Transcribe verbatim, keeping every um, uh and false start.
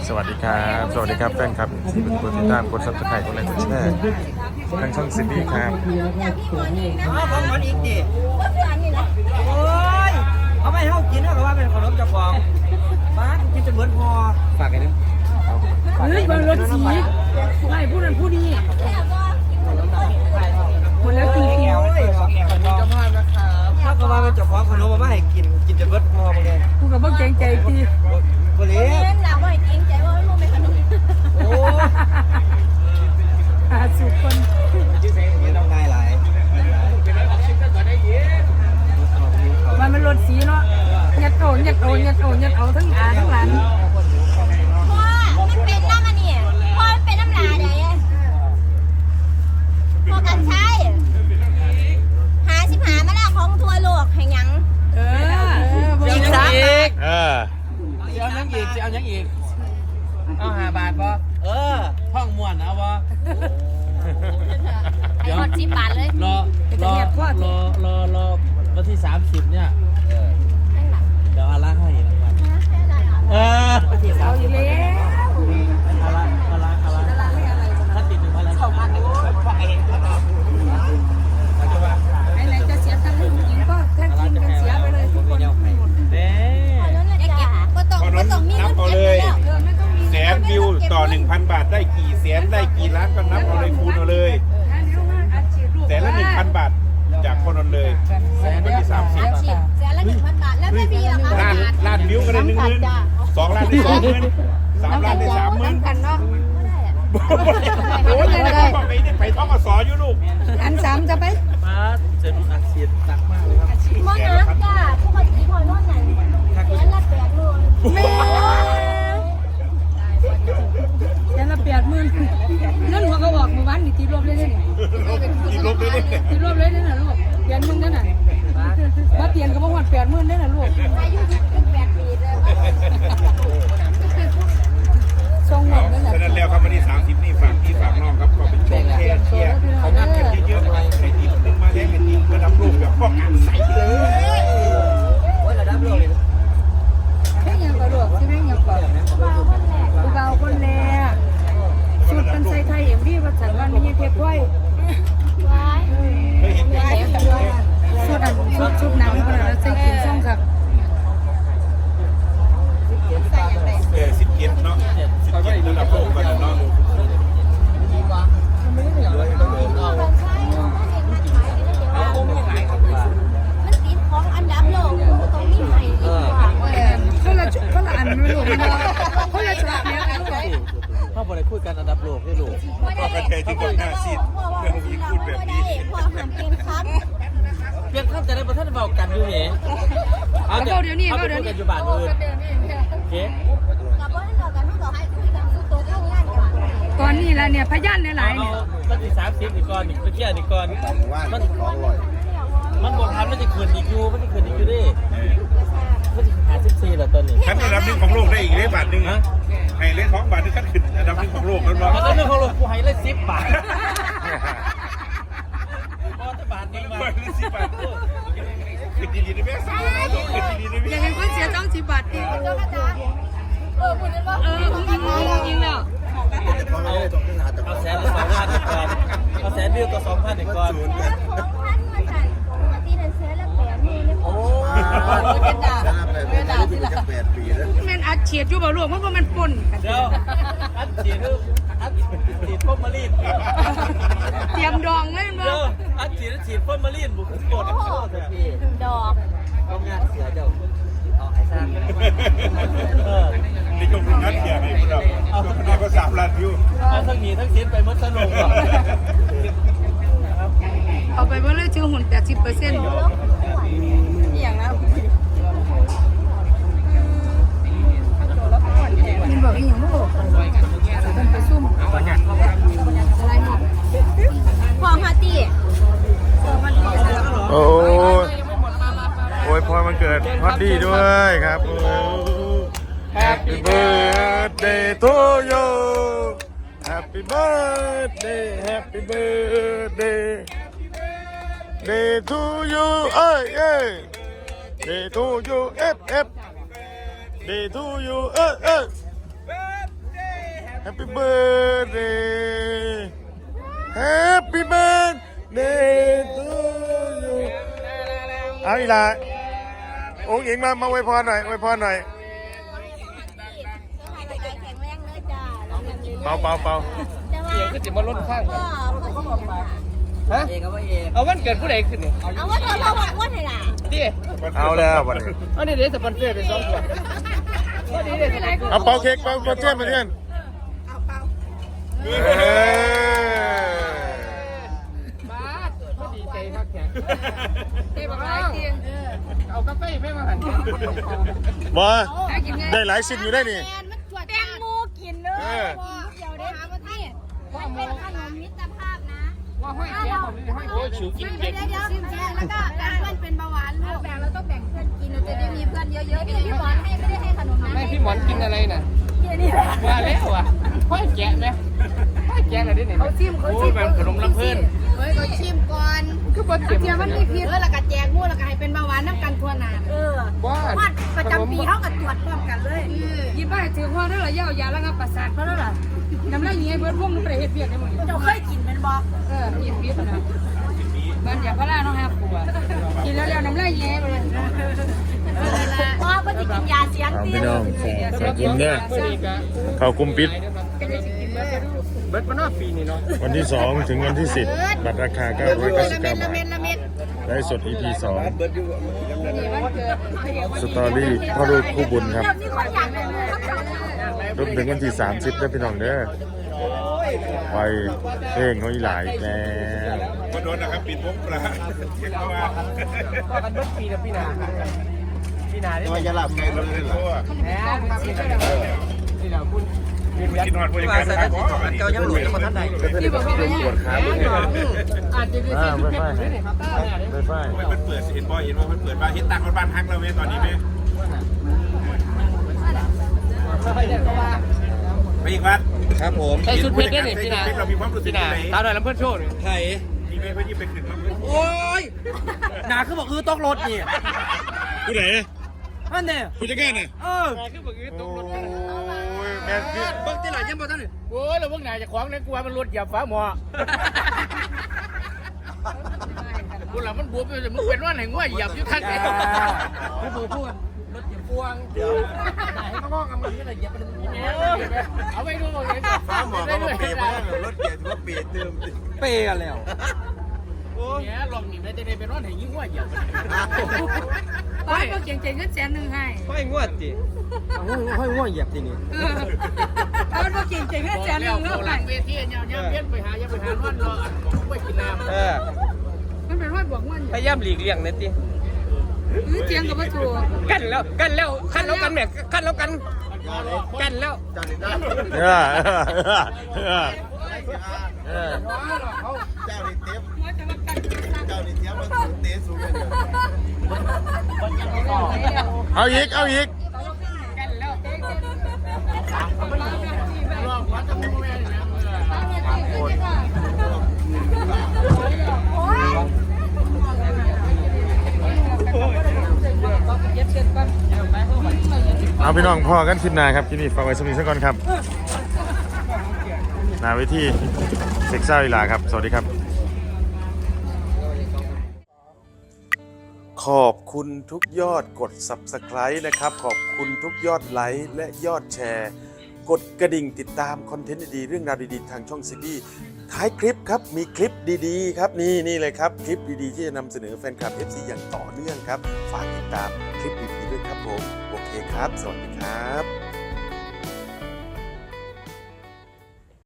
สวัสดีครับสวัสดีครับแฟนครับที่เป็นคนติดตามกดซับสไครต์กดไลค์กดแชร์ทางช่องซินดี้ครับอ๋อของมันอีกดิโอ้ยเอาไม่ให้เขากินเขาก็ว่าเป็นขนมจากฟองป้ากินจนเหมือนพอฝากไอ้นี่เฮ้ยบางรถสีไม่พูดนั้นพูดนี่คนแล้วตีเขียวโอ้ยขอแอบขนมเจ้าภาพนะครับถ้าก็ว่าเป็นเจ้าของขนมมาให้กินกินจนเหมือนพอมาเลยกูกับพวกเกรงใจตีบริเวณหลับบ่อยจริงใจว่าไม่รู้เป็นขนมโอ้หาสุกคนไม่ต้องง่ายหลายมันมันรถสีเนาะยัดโอนยัดโอนยัดโอนยัดเอาทั้งอาทั้งหลานพ่อมันเป็นน้ำมันนี่พ่อมันเป็นน้ำลาเด้พ่อกันใช้หาสิบหามาแล้วของทัวโลกแห่งยังเอออีกสามเออเอายังอีกจะเอายังอีก เอาห้าบาทปะเออห้องม่วนเอาปะไอ้หมดสิบบาทเลยรอรอรอรอรอวันที่สามสิบเนี่ยเดี๋ยวอาละให้รางวัลเออวันที่สาเอามอสิบยู่แล้วอาละอาละอาละถ้าติดหนึ่งพันแล้วไหนไหนจะเสียตังค์ให้ผู้หญิงก็แทนกินกันเสียไปเลยทุกคนเด้ก็ต้องก็ต้องมีเงินเก็บแล้วเออไม่ต้องมีแสนวิวต่อ หนึ่งพัน บาทได้กี่แสนได้กี่ล้านก็นับเอาเลยคูณเอาเลยแสนละ หนึ่งพัน บาทจากคนนั้นเลยวันที่สามสิบอาชีพแสนละหนึ่งพันบาทแล้วไม่มีราคาล้านล้านวิวก็ได้หนึ่งหมื่นสองล้านได้สองหมื่นสามล้านได้สามหมื่นกันเนาะโอ้ยยังไม่บอกไปนี่ไปท่องอสออยู่ลูกอันสามจะไปมาเสร็จอักเสียดตักมากเลยครับมอนักจ้าปกติพอนอนไหนแสนละแปดหมื่นแม่แต่ละแปดหมื่นนั่นหัวก็บอกเมื่อวานนี่ตีรวบเลยเนี่ยอีกลบเลยเนี่ยตีรวบเลยเนี่ยนะลูกเปลี่ยนมึงนั่นน่ะมาเปลี่ยนก็บอกว่าแปดหมื่นเนี่ยนะลูกอายุยี่สิบแปดปีเลยทรงหมดนั่นแหละฉะนั้นแล้วครับวันที่สามสิบนี่ฝากพี่ฝากน้องครับก็เป็นช่วงแค่เชียร์เขานัดกันเยอะๆให้ทีมหนึ่งมาได้เป็นทีมระดับโลกแบบป้องกันใสเลยโอ้ยระดับโลกเลยแค่ยังกระโดดใช่ไหมยังกระโดดกูเบาคนแรกชุดเป็นไซไทยเอ็มดีภาษาบ้านไม่ใช่เทปไว้เคยเห็นไหมชุดอันชุดชุดหนังคนละใส่กินซ่องครับเออสิบเกียรเนาะสิบเกียรระดับโลกกันเนาะมันติดของอันดับโลกตรงนี้ใหม่ดีกว่าคนละคนละอันไม่รู้มันคนละชุดเนี้ยกันลูกพ่อบริคุยกันอันดับโลกให้ลูกก็กระเทยที่ก่อนหน้าซีดเรื่องนี้พูดแบบนี้พอหันกินครับเปลี่ยนข้ามจะได้ประท่านเบากันอยู่เหรอเอาเดี๋ยวนี้เอาเดี๋ยวนี้อยู่บ้านอื่นเก๊กับว่าให้เรากันให้เราให้คุยกันสุดโต่งทำงานกันตอนนี้ละเนี่ยพยานหลายๆเนี่ยมันที่สามสิบอีกก่อนอีกเมื่อกี้อีกก่อนมันมันบอกทันมันจะคืนอีกอยู่มันจะคืนอีกอยู่ดิมันจะหาสิบสี่เหรอตอนนี้ขั้นระดับหนึ่งของโลกได้อีกเลยบาทหนึ่งนะให้เลขของบาทนึงขั้นขึ้นระดับหนึ่งของโลกแล้วเนาะมันก็เรื่องของเรากูให้เลยสิบบาทพอจะบาทนึงมาบาทละสิบบาทขึ้นดีๆนะแม่สาวขึ้นดีๆนะอแม่ย่าให้คนเสียจ้องสิบบาทดิเจ้าอาจารย์เออคุณนึกว่าเออจริงจริงแล้วเอาเอาแสนละสองพันอีกก่อนเอาแสนวิวก็สองพันอีกก่อนของพันมาสั่นปกตินั่นเสียละแปดหมื่นเลยโอ้เป็นด่าเป็นด่าที่ละแม่นอัดเฉียดอยู่บ่ลูกเพราะว่ามันป่นเดี๋ยวอัดฉีดอัดฉีดพ่นมาลีนเตรียมดองเลยมั้เดี๋ยงวอัดฉีดฉีดพ่นมาลีนบุกกดดอกเอางานเสียเดี๋ยวเอาไอ้สร้างเออนี่ก็เป็นนัดเขียนให้พวกเราเอาคนเดียวก็สามล้านวิวเอาทั้งหนีทั้งชิ้นไปมดสนุกก่อนเอาไปว่าเลยชื่อหุ่นแปดสิบเปอร์เซ็นต์อย่างแล้วมันบอกอีหยังบ่ต้องไปซุ่มอะไรหมดพอฮาตีโอ้ยโอ้ยพอมันเกิดฮอตดีด้วยครับโอ้ Happy birthday to you Happy birthday Happy birthday Day to you เอ้ยเอ้ย Day to you F F Day to you เอ้ยเอ้ย Happy birthday Happy birthday to you เอาอีกละโอ้งอิงมามาอวยพรหน่อยอวยพรหน่อยเป่าเป่าเป่าเองก็จะมาลดข้างก็เขาบอกว่าฮะเองก็ว่าเองเอาวันเกิดผู้ใดขึ้นนี่เอาว่าตัวเราบอกว่าไงล่ะดิเอาแล้ววันนี้อันนี้เดี๋ยวสปอนเซอร์ไปสองขวดก็ดีเลยเอาเป่าเค้กเป่าเป่าเจ้ามาเพื่อนเอ้ยบ้าก็ดีใจพักแข็งเต้บอกหลายเตียงเอากาแฟไม่มาหันบอได้หลายสิ่งอยู่ได้นี่แตงโมกินเลยเดี๋ยวได้หามาที่มันเป็นขนมมิตรภาพนะว่าห้อยแก้วผมห้อยโอ้ชิวกินเดี๋เย็ยวน เดี๋ยวเดี๋ยวแล้วก็แบ่งเพื่อนเป็นเบาหวานลูกแบ่งแล้วต้องแบ่งเพื่อนกินเราจะได้มีเพื่อนเยอะๆพี่พี่หมอนให้ไม่ได้ให้ขนมนะไม่พี่หมอนกินอะไรน่ะแค่นี้แหละว่าแล้วอ่ะห้อยแกะไหมห้อยแกะอะไรดิเนี่ยเขาชิมเขาชิมแบบขนมลำเพิ่นเฮ้ยก็ชิมก่อนคือบ่เจ็บเทียมันมีพิษเออแล้วก็แจกมู่แล้วก็ให้เป็นเบาหวานน้ำกันทั่วหน้าเออว่าวัดประจำปีเขาก็ตรวจพร้อมกันเลยยิ้มไปถือว่าเรื่องอะไรยาวยาแล้วก็ประสาทเพราะนั่นแหละน้ำลายเงี้ยเบิร์ดพวกนึงไปเฮ็ดเบียดได้หมดเจ้าเคยกินเป็นบ่เออยิ้มพิษนะมันอยากพลาน้องห้าขวบกินแล้วแล้วน้ำลายเงี้ยไปเลยเพราะว่าจะกินยาเสียงเอาเตี้พี่ยน้องขอบคุณเนี่ยเขากุมปิดเบิดมานอกปีนี่เนาะวันที่สองถึงวันที่สิบบัตรราคาเก้าร้อยเก้าสิบเก้าบาทละเม็ดละเม็ดได้สด อี พี สองนี่วันเกิดสตอรี่พ่อลูกคู่บุญครับเดี๋ยวนี้คนอยากเลยรวมถึงวันที่สามสิบได้พี่น้องเด้อไปเพลงเขาอีหลายแล้วก็โดนนะครับปิดวงปลาเช็คเข้ามาพอกันเบิดปีแล้วพี่นาพี่นาได้ว่าจะหลับไงเราเลยเหรอแหมพี่นานี่แหละคุณกินหอดบริการครับอ๋ออันนี้ที่บอกว่าเป็นปวดขาด้วยอาจจะได้อ่าที่ไม่ไม่ไม่ได้ครับไม่ไม่ไม่มันเปิดเห็นบ่เห็นว่ามันเปิดบ้านเห็นต่างคนบ้านฮักเราไหมตอนนี้ไหมไปอีกวัดครับผมใส่ชุดเพชรได้นี่พี่นาเรามีความรู้สึกพี่นาไหนตาหน่อยลำเพื่อนโชว์นี่ไทยมีไหมเพื่อนที่ไปขึ้นมาเพื่อนโอ้ยหนาคือบอกคือต้องรถนี่ผู้ไหนนั่นเนี่ยผู้จัดการน่ะเออคือบอกคือตโอ้กรถยแม่นคือเบิ่งที่ไหนยังบ่ทันนี่โอ้ยแล้วพวกนายจะขวางเนี่ยกลัวมันรถเหยียบฟ้าหมอกูหลังมันบวมไปเลยมึงเป็นว่าไหนง่วยเหยียบอยู่ท่านไหนไม่พูดพูดรถเหยียบพวงเดี๋ยวไหนให้น้องๆกันมันนี่แหละเหยียบไปเลยเอาไปดูเลยฟ้าหมอก็มาเปย์มาแล้วรถเกียร์ว่าเปย์เติมเปย์กันแล้วเนี่ยลองหนีได้จะได้เป็นว่าไหนยิ่งง่วยเหยียบป้าก็เก่งใจเงินแสนหนึ่งให้ห้อยงวดจิห้อยงวดเหยียบทีนี้ป้าก็เก่งใจเงินแสนหนึ่งเราเท่าหไหลัร่งเวทีเนี่ยเนี่ยเพี้ยนไปหายังไปหาร้อนรอไม่กินน้ำเออมันเป็นว่าบวกมันพยายามหลีกเลี่ยงนิดดิหรือเจียงกับวัตถุกันแล้วกันแล้วกันแล้วกันแม่กันแล้วกันกันแล้วเออเออเออเจ้าในเทปว่าจะมากันเจ้าในเทปมันเตะสูงกันอยู่เอาอีกเอาอีกรอบวัดจะมุ่งแม่เนี่ยเอาพี่น้องพ่อกันคลิปหน้าครับคลิปนี้ฝากไว้สมิธซะก่อนครับหน้าเวทีเซ็กซ่าอีหลาครับสวัสดีครับ ขอบคุณทุกยอดกด ซับสไครบ์ นะครับขอบคุณทุกยอดไลค์และยอดแชร์กดกระดิ่งติดตามคอนเทนต์ดีๆเรื่องราวดีๆทางช่องซีบีท้ายคลิปครับมีคลิปดีๆครับนี่นี่เลยครับคลิปดีๆที่จะนำเสนอแฟนคลับ เอฟ ซี อย่างต่อเนื่องครับฝากติดตามคลิปดีๆด้วยครับผมโอเคครับสวัสดีครับ